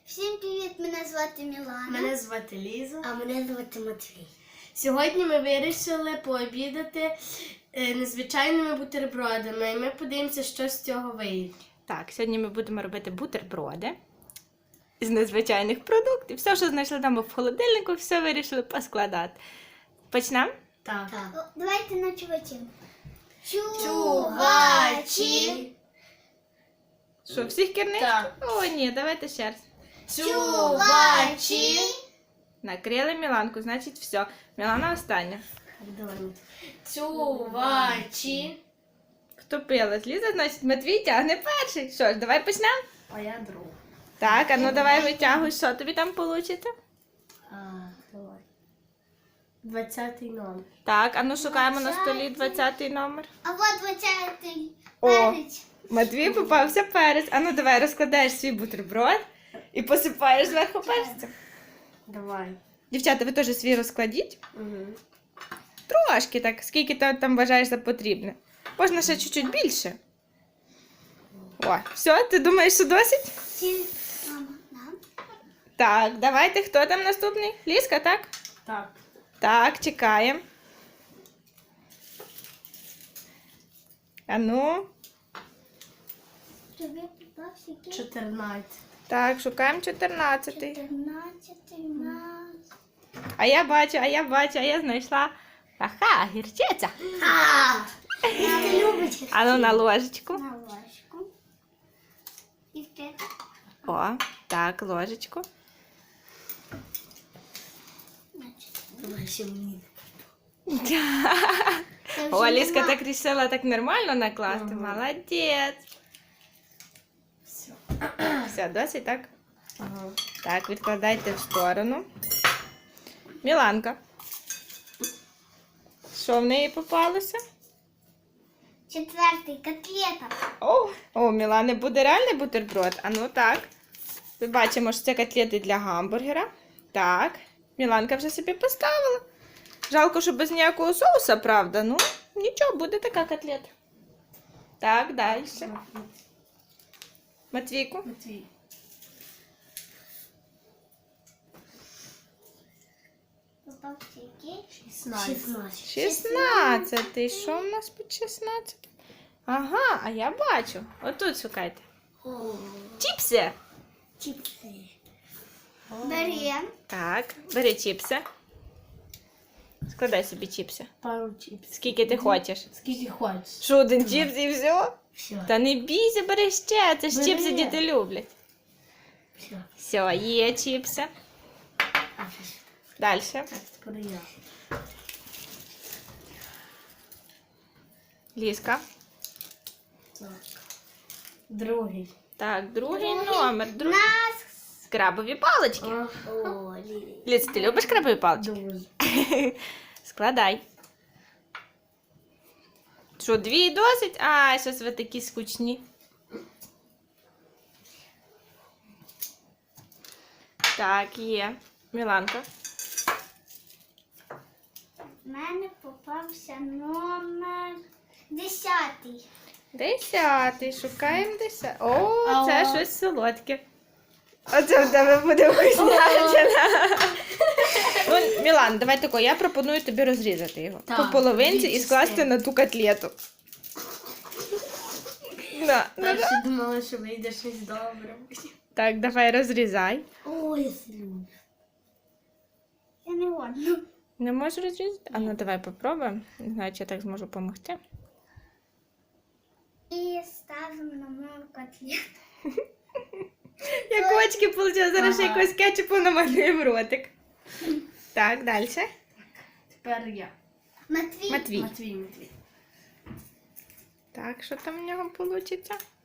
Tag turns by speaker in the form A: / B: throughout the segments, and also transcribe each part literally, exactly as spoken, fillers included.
A: Всім привіт! Мене звати Мілана.
B: Мене звати Ліза.
A: А мене звати Матвій.
B: Сьогодні ми вирішили пообідати е, незвичайними бутербродами. І ми подивимося, що з цього вийде.
C: Так, сьогодні ми будемо робити бутерброди з незвичайних продуктів. Все, що знайшли там в холодильнику, все вирішили поскладати. Почнемо?
B: Так.
A: Так. О, давайте на чувачі.
B: Чувачі.
C: Що, всіх керничку?
B: Так.
C: О, ні, давайте ще раз.
B: Чувачі.
C: Накрили Міланку, значить все. Мілана остання.
B: Чувачі.
C: Хто пила? Ліза, значить Матвій тягне перший. Що ж, давай почнемо?
B: А я друг.
C: Так, а ну давай витягуй, що тобі там вийде.
B: А, давай. Двадцятий номер.
C: Так, а ну шукаємо на столі двадцятий номер.
A: А от двадцятий
C: О.
A: перець.
C: Матвій попався перець. А ну давай розкладаєш свій бутерброд і посипаєш зверху перцем.
B: Давай.
C: Дівчата, ви теж свій розкладіть.
B: Угу.
C: Трошки так, скільки ти там вважаєш за потрібне. Можна ще чуть-чуть більше. О, все, ти думаєш, що досить?
A: Всі- Мама, нам.
C: Так, давайте, хто там наступний? Лізка, так?
B: Так.
C: Так, чекаємо. А ну,
A: Тобі попався який?
B: Чотирнадцять.
C: так, шукаємо чотирнадцятий.
A: Чотирнадцятий у нас.
C: А я бачу, а я бачу, а я знайшла. Ага, гірчиця.
A: А! Ти любиш
C: А ну на ложечку.
A: на ложку. І ти.
C: О, так, ложечку.
B: Давай ще мені.
A: Це вже
C: О, Лізка
A: нема.
C: так рішила так нормально накласти.
B: Ага.
C: Молодець.
B: Все.
C: Все, досить, так?
B: Ага.
C: Так, відкладайте в сторону. Міланка. Що в неї попалося?
A: Четвертий котлета.
C: О, о, Мілани буде реальний бутерброд. А ну так. Ми бачимо, що це котлети для гамбургера. Так. Міланка вже собі поставила. Жалко, що без ніякого соуса, правда. Ну, нічого, буде така котлета. Так, далі. Матвійку.
B: Матвій.
A: Попався який?
B: Шістнадцять.
C: шістнадцятий. Що в нас під шістнадцятим? Ага, а я бачу. Отут шукайте.
A: О,
C: Чіпси.
A: чіпси. Берем.
C: Так, бери чіпси. Складай собі чіпси.
B: Пару чіпсів.
C: Скільки ти хочеш.
B: Скільки хочеш.
C: Що, один чіпс і все?
B: Все.
C: Та не бійся, бери ще. Це ж
B: Бери.
C: чіпси діти люблять.
B: Все.
C: Все, є чіпси.
B: А, все.
C: Далі.
B: Так, тепер я.
C: Лізка.
B: Так. Другий.
C: Так, другий номер. Друг...
A: Нас.
C: Крабові палички.
A: О, Лілі.
C: Ліз, ти любиш крабові палички?
B: Дуже.
C: Складай. Що, дві досить? А, щось ви такі скучні. Так, є. Міланка.
A: В мене попався номер десятий.
C: Десятий. Шукаємо десятий. О,
B: А
C: це
B: о.
C: щось солодке. Оце в тебе буде вкуснятина. Ну, Мілан, давай тако, я пропоную тобі розрізати його.
B: Так,
C: По половинці
B: дві
C: і скласти
B: частини.
C: на ту котлету. Да, да, да.
B: Перше думала, що вийде щось добре.
C: Так, давай розрізай.
B: Ой, я слюблю.
A: Я не одну.
C: Не можеш розрізати? А ну давай попробуємо. Не знаю, чи я так зможу допомогти.
A: І ставимо на мою котлету.
C: Як очки вийшло, зараз ще
B: Ага.
C: якось кетчупу намалюємо ротик. Так, далі.
B: Тепер я.
A: Матвій.
C: Матвій.
B: Матвій, Матвій.
C: Так, що там в нього вийде?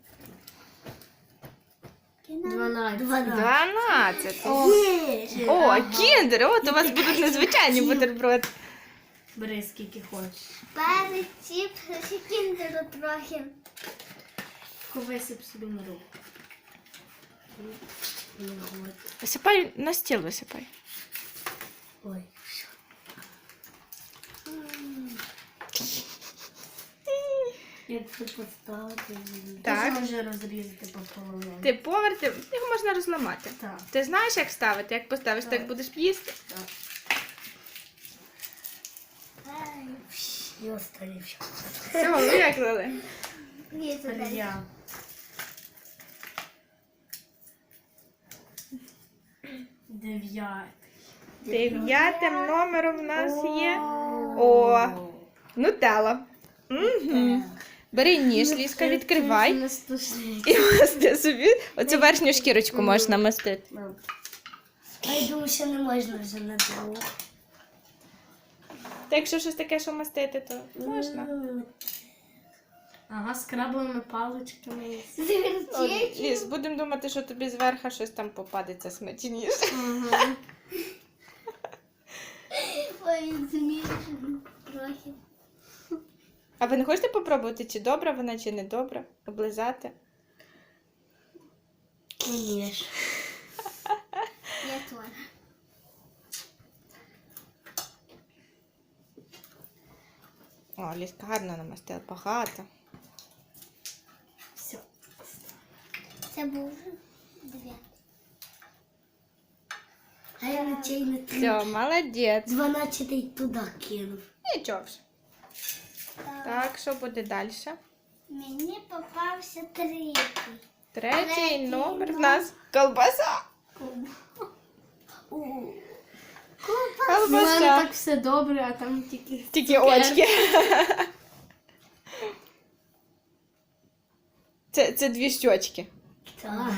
B: Дванадцять.
C: Дванадцять.
B: Є.
C: О, кіндер! От у вас будуть незвичайні бутерброди.
B: Бери скільки хочеш.
A: Перець, чіпси, ще кіндеру трохи.
B: Висип собі на руку. Ну, от.
C: Висипай на стіл, висипай.
B: Ой. Як це поставити?
C: Так.
B: Можна вже розрізати по половині.
C: Ти поверти, його можна розламати.
B: Так.
C: Ти знаєш, як ставити? Як поставиш, так
B: Так.
C: будеш їсти.
B: Так. І останнє.
C: Все, виклали.
A: Ні, це далі.
B: Я. Дев'ятий.
C: Дев'ятим номером в нас є. О, нутелла. Угу. Бери ніж, Ліска, відкривай.
B: Не стосується.
C: І масти собі. Оцю верхню шкірочку можеш намастити.
B: А я думаю, що не можна вже на другу.
C: Та якщо щось таке, що мастити, то можна.
B: Ага, з крабовими паличками.
C: О,
A: Звірчечі.
C: Ліс, будемо думати, що тобі зверху щось там попадеться смачніше.
B: Угу.
A: Ой, змішано трохи.
C: А ви не хочете попробувати, чи добра вона, чи не добра? Облизати?
B: Ні.
A: Я теж.
C: О, Ліска гарно намастила, багато.
B: Все.
A: Це був дев'ятий.
B: А я на чай не
C: Все, молодець.
B: Дванадцятий туди кинув.
C: Нічого вже.
A: Так.
C: Так, що буде далі?
A: Мені попався третій.
C: Третій
A: Третій
C: номер в
A: номер.
C: нас колбаса.
A: У.
B: У
C: Колбаса.
B: мене так все добре, а там тільки...
C: Тільки очки. Це, це дві щочки.
B: Так.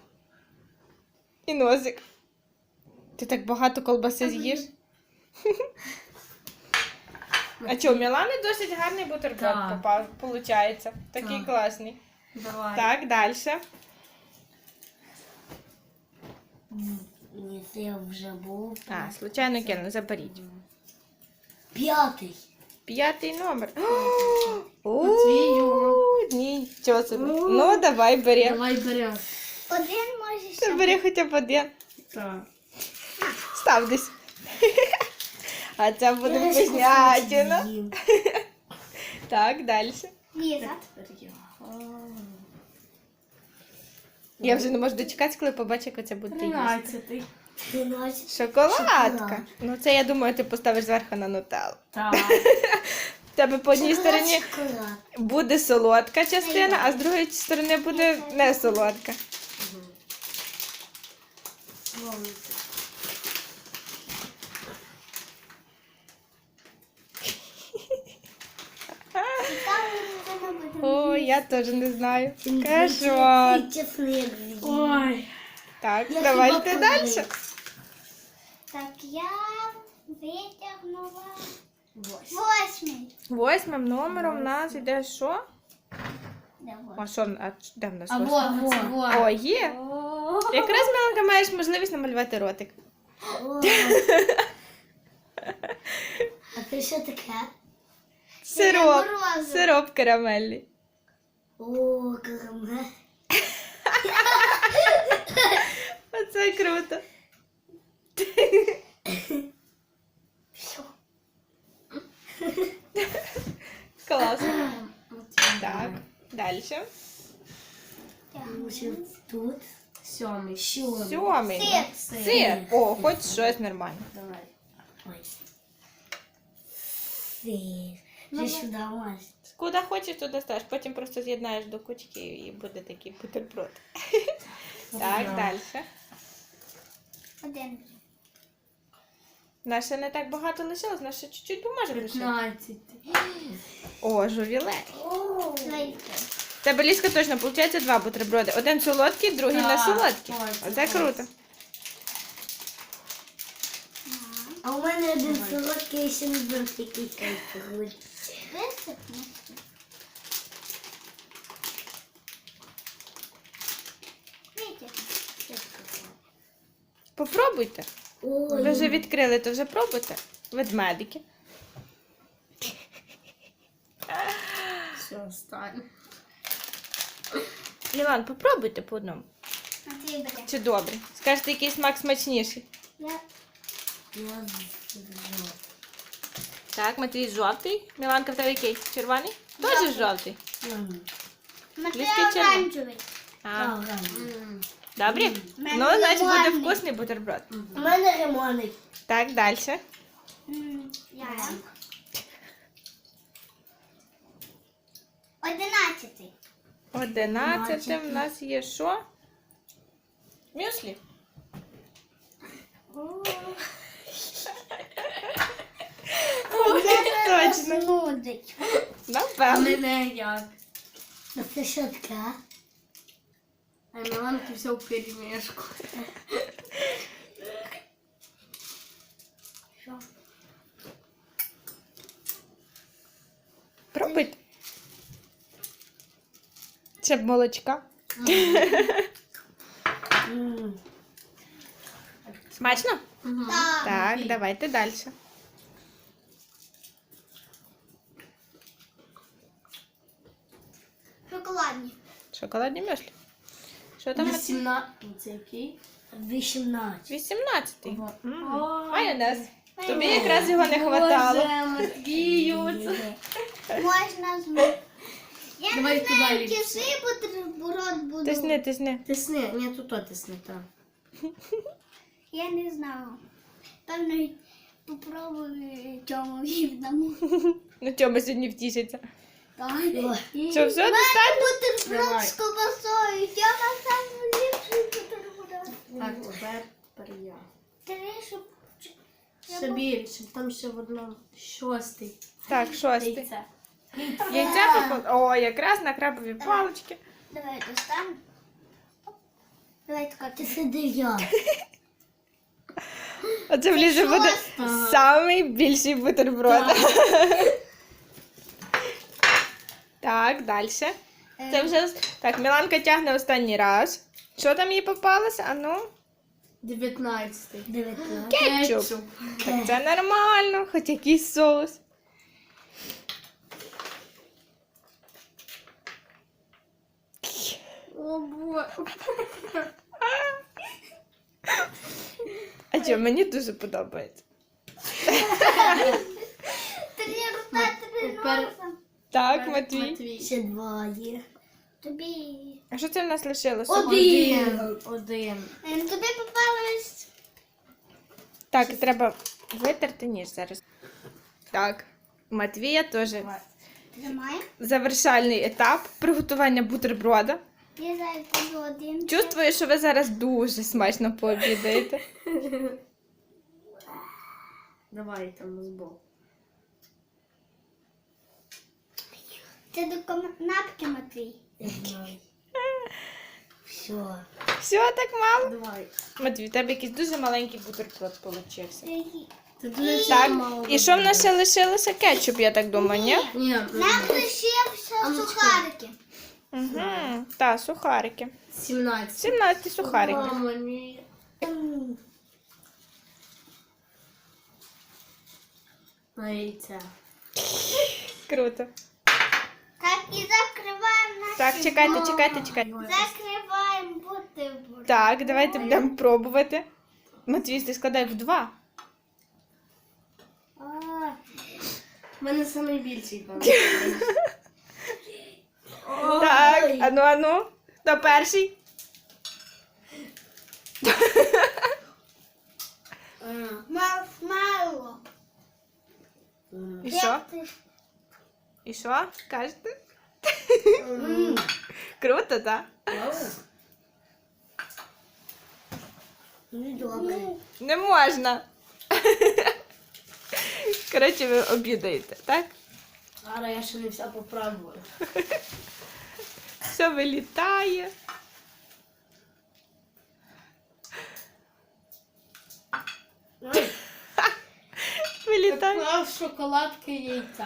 C: І носик. Ти так багато колбаси з'їш? А що, у Мілани досить гарний бутерброд
B: Так.
C: попав, виходить. Такий
B: Так.
C: класний.
B: Давай.
C: Так, далі.
B: Ні, це я вже був.
C: А, случайно кинула, заберіть.
B: П'ятий.
C: П'ятий номер.
B: Матвію.
C: О, нічого собі. Ну, давай бери.
B: Давай беремо.
A: Один може
C: Ти
A: ще.
C: бери хоча б один.
B: Так.
C: Став десь. А це буде вкуснятина. Так, далі.
A: Ліза.
C: Я вже не можу дочекатися, коли побачу, як це буде їсти.
B: Тринадцятий. Тринадцятий.
C: Шоколадка. Ну це, я думаю, ти поставиш зверху на нутеллу.
B: Так.
C: В тебе по одній стороні
B: Шоколад.
C: буде солодка частина, а з другої сторони буде не солодка. О, я теж не знаю. Кошмар.
B: Чесник. Ой.
C: Так,
B: Я
C: давайте
B: хіба
C: далі.
B: повинна.
A: Так, я витягнула
B: Восьмий.
A: восьмий.
C: Восьмим номером в нас йде що?
A: Де
C: А
A: восьмий?
C: що, а де в нас
B: А
C: восьмий?
B: вот, вот, вот.
C: О, є. Якраз, Міланка, маєш можливість намалювати ротик.
B: А це що таке?
C: Сироп.
A: морозиво.
C: Сироп карамельний.
B: О, карамель.
C: Оце круто.
B: Все.
C: Класно. Так, далі.
B: Тут. Сьомий. Сьомий.
C: Сьомий.
A: Сир.
C: Сир. О, хоч щось нормально.
B: Давай. Ой. Сир. Вже сюди можеш.
C: Куди хочеш, туди ставиш. Потім просто з'єднаєш до кучки і буде такий бутерброд. Так, далі.
A: Один.
C: Нас ще не так багато лишилось, нас ще чуть-чуть поможе лишити.
B: П'ятнадцятий.
C: О, жувілей.
A: Твої.
C: В тебе, Ліска, точно, виходить два бутерброди. Один солодкий, другий не
B: Так,
C: солодкий.
B: ой,
C: Оце
B: це
C: круто.
B: А у мене один солодкий і ще не був такий кайфовий.
A: Висипну. Витягну.
C: Попробуйте.
B: Ой.
C: Ви вже відкрили, то вже пробуйте. Ведмедики.
B: Все, останнє.
C: Мілан, попробуйте по одному.
A: Матвій бере.
C: Чи добре? Скажете, який смак смачніший.
A: Я
B: Я зжав.
C: Так, Матвій жовтий. Міланка, в тебе який? Червоний? Теж жовтий.
A: Матвій
C: Ліски червоні.
A: оранжевий.
C: А,
B: М.
C: добрі?
A: Мене
C: Ну, значить, буде
A: лимонний.
C: вкусний бутерброд.
D: У мене лимонний.
C: Так, далі.
A: М, Я. Одинадцятий.
C: Одинадцяте в нас є що? Мюслі. Точно.
A: Нудить.
B: А
C: Напевно.
B: мене як?
D: А це що таке?
B: А Міланки все в перемішку.
A: Що?
C: Пробуйте. Ще б молочка.
D: М.
C: Смачно?
A: Так.
C: Так, давайте далі.
A: Шоколадні.
C: Шоколадні мюслі. Що там? Матвій?
B: Сімнадцять. Це який?
D: Вісімнадцять.
C: вісімнадцятий.
B: Ого.
C: М.
B: Ой.
C: Майонез. Тобі якраз його не хватало.
B: Боже, Матвію.
A: Можна змити. Я
B: Давай
A: не
B: туди,
A: знаю,
B: Ліпсі.
A: який бутерброд буду.
C: Тисни, тисни.
B: Тисни, ні, тут то тисни, так.
A: Я не знаю. Певно, попробую цьому відному.
C: Ну, Тьома сьогодні втішиться.
A: Так.
C: Що, все, достатньо?
A: Бутерброд
B: Давай.
A: з ковбасою. Тьома сам ліпший бутерброд.
B: Так, тепер, тепер я.
A: Три, щоб...
B: Ще більше, там ще в одному. Шостий.
C: Так, шостий.
B: Яйце.
C: Яйця попало. О, якраз на крабові палички.
A: Давай достану. Давай така
D: Це
A: ти.
D: дев'ятий.
C: Оце влізе буде
B: Ага.
C: самий більший бутерброд. Так, далі. Це вже. Так, Міланка тягне останній раз. Що там їй попалося? А ну?
B: Дев'ятнадцятий.
D: Дев'ятнадцять.
C: Кетчуп. Так це нормально, хоч якийсь соус.
B: О, боже.
C: А що, мені дуже подобається.
A: Три рука, три
B: Тепер-
A: носа.
C: Так, Матвій.
B: Матвій.
D: Ще два є.
A: Тобі.
C: А що це в нас лишилося?
D: Один.
B: Один.
A: Ем, Тобі попалось.
C: Так, треба витерти ніж зараз. Так, Матвія теж
A: Тримай.
C: завершальний етап приготування бутерброда.
A: Я зараз буду один.
C: Чувствую, що ви зараз дуже смачно пообідаєте.
B: Давай там збоку.
A: Це до канапки, Матвій.
D: Я знаю. Все.
C: Все, так мало?
B: Давай.
C: Матвій, в тебе якийсь дуже маленький бутерброд получився.
B: Це дуже
C: Так,
B: мало.
C: і що в нас ще лишилося? Кетчуп, я так думаю, ні?
B: Ні,
A: Нам лишився
B: А ну,
A: сухарики.
C: Угу. Так, сухарики.
B: сімнадцять.
C: сімнадцять сухариків.
B: Мама, ні. На яйця.
C: Круто.
A: Так, і закриваємо наш.
C: Так, чекайте, чекайте, чекайте.
A: Закриваємо бутерброд.
C: Так, давайте будемо пробувати. Матвій, ти складай в два.
A: А,
B: У мене найбільший там.
C: Так, ану, ану. Хто перший?
A: Маршмеллоу.
C: І що? І що? Кажете? Круто, так?
D: Ну, добре.
C: Не можна. Коротше, ви обідаєте, так?
B: Зараз я ще не вся попробую.
C: Все вилітає. Вилітає.
B: Поклав шоколадки яйця.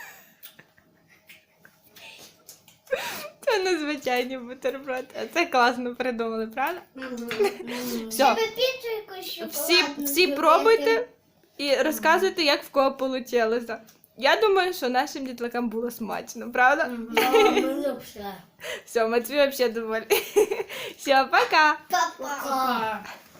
C: Це незвичайний бутерброд. А це класно придумали, правда? Все,
A: Ви піцу якусь шоколадну
C: всі, всі
A: зробити?
C: пробуйте і розказуйте, як в кого вийшло. Я думаю, що нашим дітлакам було смачно, правда?
D: А, мене все.
C: Все, Матвій взагалі доволі. Все, пока.
A: Па-па.
D: А.